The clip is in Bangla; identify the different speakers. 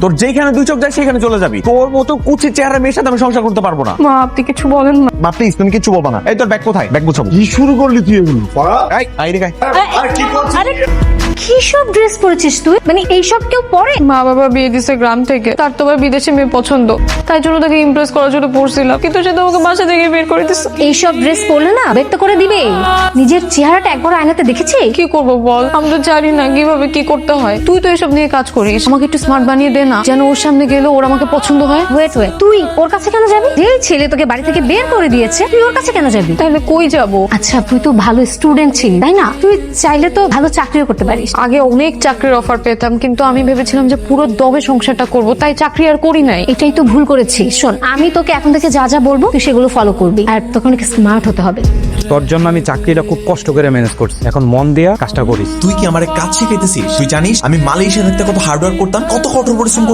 Speaker 1: তোর যেখানে দুই চোখ যায় সেখানে চলে যাবি। তোর মতো কুচির চেহারা মেয়ের সাথে আমি সংসার করতে পারবো না।
Speaker 2: মা আপনি কিছু বলেন না।
Speaker 1: মা প্লিজ, তুমি কিচ্ছু বলবা না। এই তোর ব্যাগ কোথায়? ব্যাগ গুছাবো।
Speaker 3: কি শুরু করলি তুই এগুলো?
Speaker 1: এই আইরে গায়।
Speaker 4: আরে কি সব ড্রেস পরেছিস তুই? মানে এইসব কেউ পরে?
Speaker 2: মা বাবা বিয়ে দিছে গ্রাম থেকে, তার তো আবার বিদেশে মেয়ে পছন্দ, তাই জন্য তাকে ইমপ্রেস করার জন্য পড়ছিলাম, কিন্তু সে তো আমাকে বাসা থেকে বের করে দিচ্ছে।
Speaker 4: এইসব ড্রেস পরলে না ব্যক্ত করে দিবে। নিজের চেহারাটা একবার আয়নাতে দেখেছি?
Speaker 2: কি করব বল, আমি তো জানি না কিভাবে কি করতে হয়। তুই তো এসব নিয়ে কাজ করিস, আমাকে একটু স্মার্ট বানিয়ে দে না, যেন ওর সামনে গেলে ওর আমাকে পছন্দ হয়।
Speaker 4: ওয়েট তুই ওর কাছে কেন যাবি? যেই ছেলে তোকে বাড়ি থেকে বের করে দিয়েছে তুই ওর কাছে কেন যাবি?
Speaker 2: তাহলে কই যাব?
Speaker 4: আচ্ছা তুই তো ভালো স্টুডেন্ট ছিলি তাই না? তুই চাইলে তো ভালো চাকরিও করতে পারিস।
Speaker 2: আগে অনেক চাকরির অফার পেতাম, কিন্তু আমি ভেবেছিলাম যে পুরো দমে সংসারটা করব, তাই চাকরি আর করি নাই।
Speaker 4: এটাই তো ভুল করেছিস। শোন, আমি তোকে এখন থেকে যা যা বলবো তুই সেগুলো ফলো করবি, আর তোকে অনেক স্মার্ট হতে হবে।
Speaker 5: তোর জন্য আমি চাকরিটা খুব কষ্ট করে ম্যানেজ করছি, এখন মন দিয়া কাজটা করিস।
Speaker 6: তুই কি আমার কাজ শিখাইতেছিস? তুই জানিস আমি মালয়েশিয়া থাকতে কত হার্ড ওয়ার্ক করতাম, কত কঠোর পরিশ্রম করতাম?